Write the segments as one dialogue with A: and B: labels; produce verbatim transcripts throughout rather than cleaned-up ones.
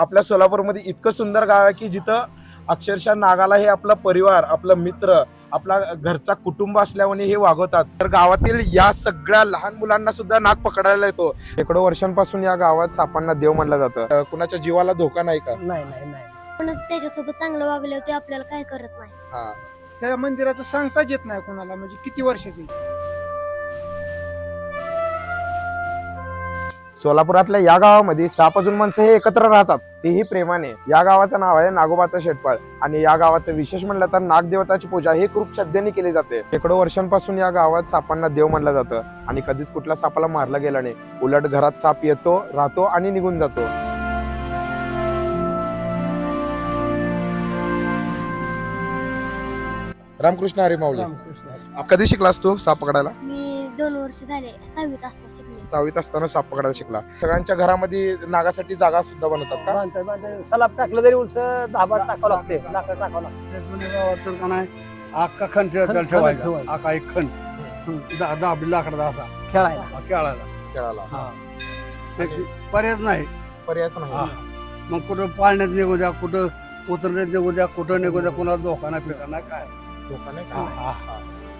A: आपल्या सोलापूरमध्ये इतकं सुंदर गाव आहे की जिथं अक्षरशः नागाला हे आपला परिवार, आपला मित्र, आपला घरचा कुटुंब असल्याने हे वागवतात. तर गावातील या सगळ्या लहान मुलांना सुद्धा नाग पकडायला येतो. शेकडो वर्षांपासून या गावात सापांना देव मानलं जातं. कुणाच्या जीवाला धोका नाही का?
B: नाही नाही नाही
C: पण त्याच्यासोबत चांगलं वागले होते आपल्याला काय करत नाही.
A: हा.
B: त्या मंदिराचं सांगताच येत नाही कोणाला, म्हणजे किती वर्षाची.
A: सोलापुरातल्या या गावामध्ये साप अजून माणसं हे एकत्र राहतात, तेही प्रेमाने. या गावाचं नाव आहे नागोबाचा शेटपाळ आणि या गावाचं विशेष म्हणलं तर नागदेवताची पूजा ही खूप श्रद्धेने केली जाते. शेकडो वर्षांपासून या गावात सापांना देव मानलं जातं आणि कधीच कुठल्या सापाला मारलं गेलं नाही. उलट घरात साप येतो, राहतो आणि निघून जातो. रामकृष्ण हरी माऊली.
B: रामकृष्ण.
A: कधी शिकलास तू साप पकडायला?
C: मी दोन वर्ष झाले सहावीत असताना शिकले.
A: सहावीत असताना साप पकडायला शिकला. सगळ्यांच्या घरामध्ये नागासाठी जागा सुद्धा बनवतात का?
B: बांधतात, बांधतात. सलाब टाकलं तरी उलस दहा बार टाकावं लागते, लाकडं टाकावं लागते.
D: जुन्या गावात तर का नाही अख्खा खण
B: खण- खण
D: ठेवायचा,
B: ठेवायचा.
D: अख्खा एक खण दहा दहा लाकडा असा
B: खेळायला
D: हा, खेळायला.
A: खेळाला
D: हा त्याची पर्यायच नाही.
A: पर्यायच
D: हा.
A: नाही.
D: मग कुठं पाळण्यात निघू द्या, कुठं उतरण्यात निघू द्या, कुठं निघू द्या, कुणाला धोका नाही फिरका नाही काय.
A: धोका नाही
D: हा,
A: का?
D: हा.
A: हा.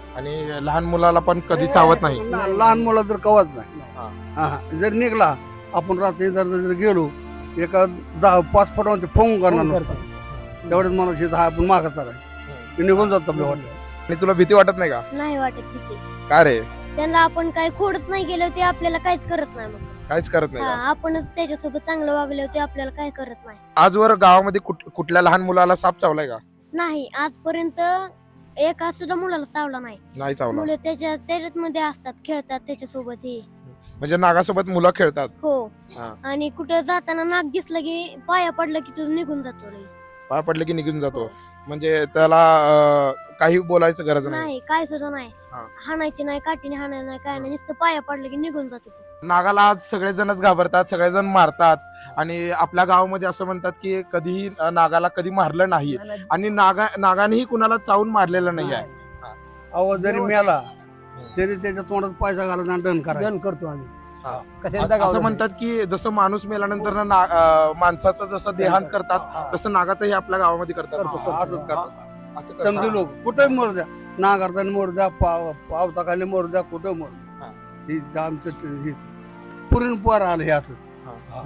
A: आणि लहान मुलाला पण कधी चावत नाही.
D: ना- लहान मुलं तर कवच नाही.
A: हा.
D: हा, हा. जर निघला आपण रात्री जर जर गेलो एका दहा पाच फुटावरती फोन करणार नसतो, तेवढेच माणूस दहा आपण मागं चालाय ते निघून जातो आपल्या वाटत.
A: आणि तुला भीती वाटत नाही का?
C: नाही वाटत भीती.
A: का रे?
C: त्यांना आपण काही खोडच नाही गेले होते, आपल्याला काहीच करत नाही. मग
A: काहीच करत नाही
C: हा,
A: का?
C: आपणच त्याच्यासोबत चांगलं वागले होते, आपल्याला काय करत नाही.
A: आजवर गावामध्ये कुठ- कुठल्या लहान मुलाला साप चावलाय का?
C: नाही आजपर्यंत एका सुद्धा मुलाला चावला नाही.
A: नाही चावला.
C: मुलं त्याच्या त्याच्यात मध्ये असतात, खेळतात त्याच्यासोबत हे.
A: म्हणजे नागासोबत मुलं खेळतात.
C: हो.
A: हा.
C: आणि कुठं जाताना नाग दिसलं की पाया पडलं की तुझं निघून जातो लगेच.
A: पाय पडले की निघून जातो.
C: हो.
A: म्हणजे त्याला अं, काही बोलायचं गरज नाही.
C: नाही काय सुद्धा नाही.
A: हा.
C: हाणायची नाही, काठीने हाणायचं नाही, काय नाही, नुसतं पाया पडलं की निघून जातो तो.
A: नागाला आज सगळेजणच घाबरतात, सगळेजण मारतात आणि आपल्या गावामध्ये असं म्हणतात की कधीही अं, नागाला कधी मारलं नाही आणि नागा नागानेही कुणाला चावून मारलेलं नाही आहे.
D: आवाज जरी मिळाला तरी त्याच्या तोंडात पैसा घालायचा आणि दंड करायचा.
B: दन करतो आम्ही.
A: हा.
B: कशाला
A: असं
B: जगावं
A: म्हणतात की जसं माणूस मेल्यानंतर ना ना- अं, माणसाचं जसं देहांत करतात तसं नागाचं हे आपल्या गावामध्ये करतात.
B: करतो, करतो.
D: असंच करतात.
A: असं करतात.
D: समजू लोक कुठेही मोर द्या, नागारताना मोर द्या, पाव पावसाखाली मोर द्या, कुठं मोर
A: हा.
D: ही आमचं हे पुरीन पोर आलं हे असं.
A: हा.
D: हा.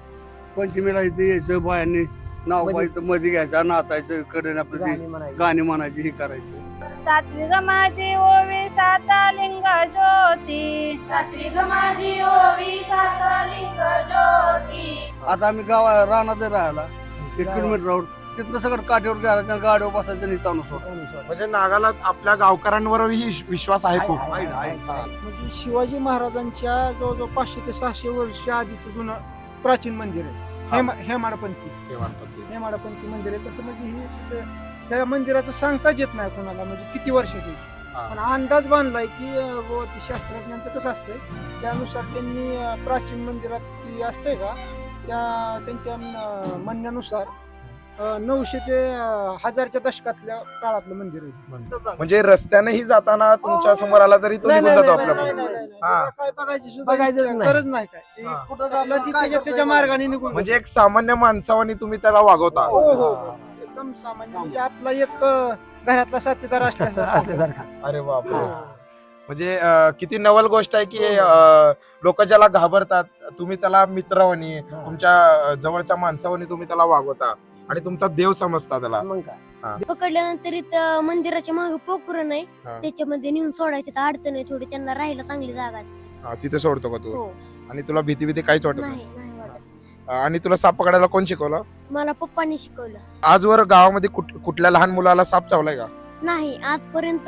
D: पंचमीला इथे यायचं, बायांनी नाव
B: मध्ये-
D: पाहायचं, मध्ये घ्यायचं, नाचायचं, कडे आपलं ते
B: गाणी म्हणायची.
D: गाणी म्हणायची, हे करायचं.
E: सात्विक माझी ओवी साता लिंग ज्योती. सात्विक माझी ओवी साता लिंग ज्योती.
D: आता आम्ही गावा रानात राहायला एक किलोमीटरवर तिथनं सगळं काठीवर घ्यायला गाडीवर बसायचं आणि चालू सोडा.
A: म्हणजे नागाला आपल्या गावकऱ्यांवरही विश्वास आहे खूप.
D: आहे, आहे.
A: हा.
B: म्हणजे शिवाजी महाराजांच्या जवळजवळ पाचशे ते सहाशे वर्ष आधीच जुनं प्राचीन मंदिर आहे. हेम हेमाडपंथी
A: हे म्हणतात ते.
B: हेमाडपंथी मंदिर आहे. तसं म्हणजे हे तसं त्या मंदिराचं सांगताच येत नाही कोणाला, म्हणजे किती वर्षाची.
A: हा.
B: पण अंदाज बांधलाय की अं, बुवा ते शास्त्रज्ञांचं कसं असतंय त्यानुसार त्यांनी अं, प्राचीन मंदिरात ती असते का त्या त्यांच्या अं, म्हणण्यानुसार अं, नऊशे ते अं, हजारच्या दशकातल्या काळातलं मंदिर आहे.
A: म्हणजे रस्त्यानेही जाताना तुमच्या समोर आला तरी तो
B: नाही,
A: निघून
B: नाही,
A: जातो
B: नाही,
A: आपल्या
B: नाही,
A: पुढे.
B: नाही, नाही,
A: हा.
B: त्याला काय बघायची सुद्धा
F: बघायचंच
B: इच्छा-
F: नाही.
B: गरज नाही काय ते
A: हा.
D: कुठं
B: आपलं
D: जाताना
B: ती
D: काय
B: त्याच्या-
D: करता
B: त्याच्या
D: येईल?
B: मार्गाने निघून
A: म्हणजे एक सामान्य माणसावानी तुम्ही त्याला वागवता.
B: हो, हो, हो. एकदम सामान्य म्हणजे आपला एक अं, घरातला साथीदार असल्यासारखा.
F: असल्यासारखा.
A: अरे बापरे.
B: हो.
A: म्हणजे अं, किती नवल गोष्ट आहे की लोक ज्याला घाबरतात तुम्ही त्याला मित्रवणी तुमच्या अं, जवळच्या माणसावणी तुम्ही त्याला वागवता आणि तुमचा देव समजता त्याला.
F: मग काय
C: पकडल्यानंतर इथं मंदिराच्या मागे पोखरण आहे,
A: हा.
C: त्याच्यामध्ये नेऊन सोडायचं. तर अडचण आहे थोडी, त्यांना राहायला चांगली जागा आहे.
A: हा, तिथे सोडतो का तू?
C: हो.
A: आणि तुला भीती भीती काहीच वाटत नाही?
C: नाही नाही वाटत.
A: अं, आणि तुला साप पकडायला कोण शिकवलं?
C: मला पप्पांनी शिकवलं.
A: आजवर गावामध्ये कुठ- कुठल्या लहान मुलाला साप चावलाय का?
C: नाही आजपर्यंत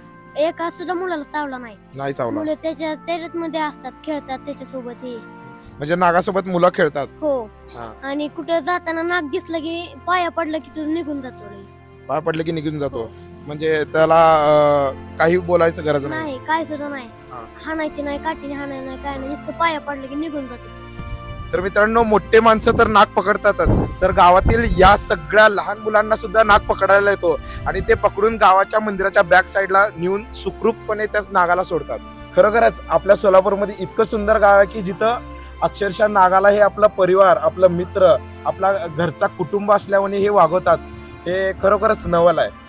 C: एका सुद्धा मुलाला चावला नाही.
A: नाही चावला.
C: मुलं त्याच्या त्याच्यात मध्ये असतात, खेळतात त्याच्यासोबत हे.
A: म्हणजे नागासोबत मुलं खेळतात.
C: हो.
A: हा.
C: आणि कुठं जाताना नाग दिसलं की पाया पडलं की तुझं निघून जातो लगेच.
A: पाय पडले की निघून जातो.
C: हो.
A: म्हणजे त्याला अं, काही बोलायचं गरज नाही.
C: नाही काय सुद्धा नाही.
A: हा.
C: हाणायची नाही, काठीने हाणायचं नाही, काय नाही, नुसतं पाया पडलं की निघून जातो.
A: तर मित्रांनो, मोठे माणसं तर नाग पकडतातच, तर गावातील या सगळ्या लहान मुलांना सुद्धा नाग पकडायला येतो आणि ते पकडून गावाच्या मंदिराच्या बॅक साईडला नेऊन सुखरूपपणे त्या नागाला सोडतात. खरोखरच आपल्या सोलापूरमध्ये इतकं सुंदर गाव आहे की जिथं अक्षरशः नागाला हे आपला परिवार, आपला मित्र, आपला घरचा कुटुंब असल्यामुळे हे वागवतात. हे खरोखरच नवल आहे.